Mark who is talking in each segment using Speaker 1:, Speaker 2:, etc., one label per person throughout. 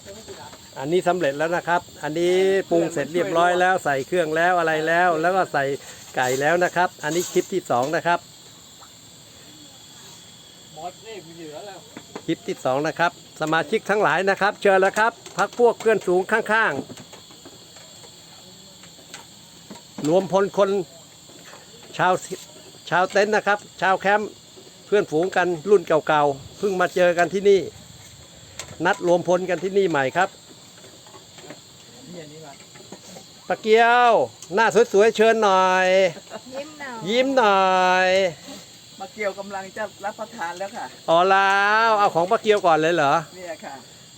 Speaker 1: อันนี้สำเร็จแล้วนะครับอันนี้ปรุงเสร็จเรียบร้อยแล้วใส่เครื่องแล้วอะไรแล้วแล้วก็ใส่ไก่แล้วนะครับ อันนี้คลิปที่2นะครับคลิปที่2นะครับสมาชิกทั้งหลายนะครับเชิญแล้วครับพักพวกเพื่อนสูงข้างๆรวมพลคนชาวเต็นท์นะครับชาวแคมป์เพื่อนฝูงกันรุ่นเก่าๆเพิ่งมาเจอกันที่นี่นัดรวมพลกันที่นี่ใหม่ครับปะเกียวหน้าสวยๆเชิญหน่อยยิ้มหน่อย
Speaker 2: ปะเกียวกำลังจะรับประทานแล้วค่ะ
Speaker 1: อ๋อแล้วเอาของปะเกียวก่อนเลยเหรอ
Speaker 2: เนี่ยค่ะ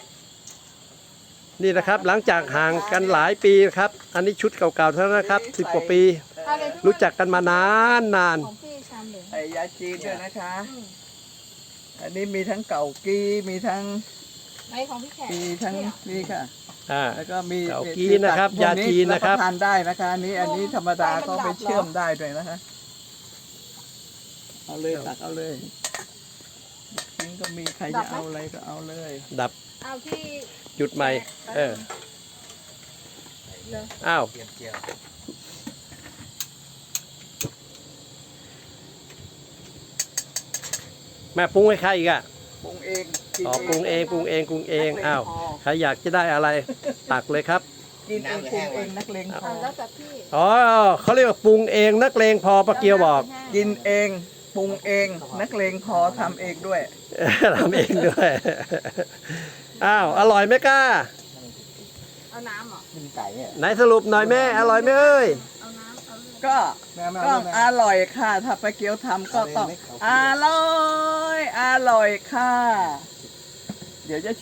Speaker 1: นี่นะครับหลังจากห่างกันหลายปีครับอันนี้ชุดเก่าๆเท่านั้นนะครับ10 กว่าปีรู้จักกันมานาน
Speaker 2: ใส่ยาจีนด้วยนะคะอันนี้มีทั้งเก่ากี้มีทั้งมีทั้งนี่ค่ะแล้วก็มี
Speaker 1: เก่ากี้นะครับยาจีนนะครับ
Speaker 2: ทานได้นะคะอันนี้ธรรมดาก็ไปเชื่อมได้ด้วยนะคะเอาเลยตักเอาเลยนี่ก็มีใครจะเอาอะไรก็เอาเลย
Speaker 1: ดับ
Speaker 3: เอาที่
Speaker 1: จุดใหม่อ้าวแม่ปรุงให้ใครอีกอะ
Speaker 2: ปรุงเอง
Speaker 1: ปรุงเองอ้าวใครอยากจะได้อะไรตักเลยครับ
Speaker 2: กินเองปรุงเองนักเลงพอ
Speaker 3: แล้วแต่พี่
Speaker 1: อ๋อเขาเรียกว่าปรุงเองนักเลงพอปะเกียวบอก
Speaker 2: กินเองปรุงเองนักเลงพอทำเองด้วย
Speaker 1: ทำเองด้วยอ้าวอร่อยไหมก้า
Speaker 3: เอาน้ำเหรอ
Speaker 2: กินไก่เนี่ย
Speaker 1: ไหนสรุปหน่อยแม่อร่อยไหมเอ้ย
Speaker 2: ก็อร่อยค่ะถ้าปะเกียวทำก็ต้องอร่อยค่ะเดี๋ยวจะ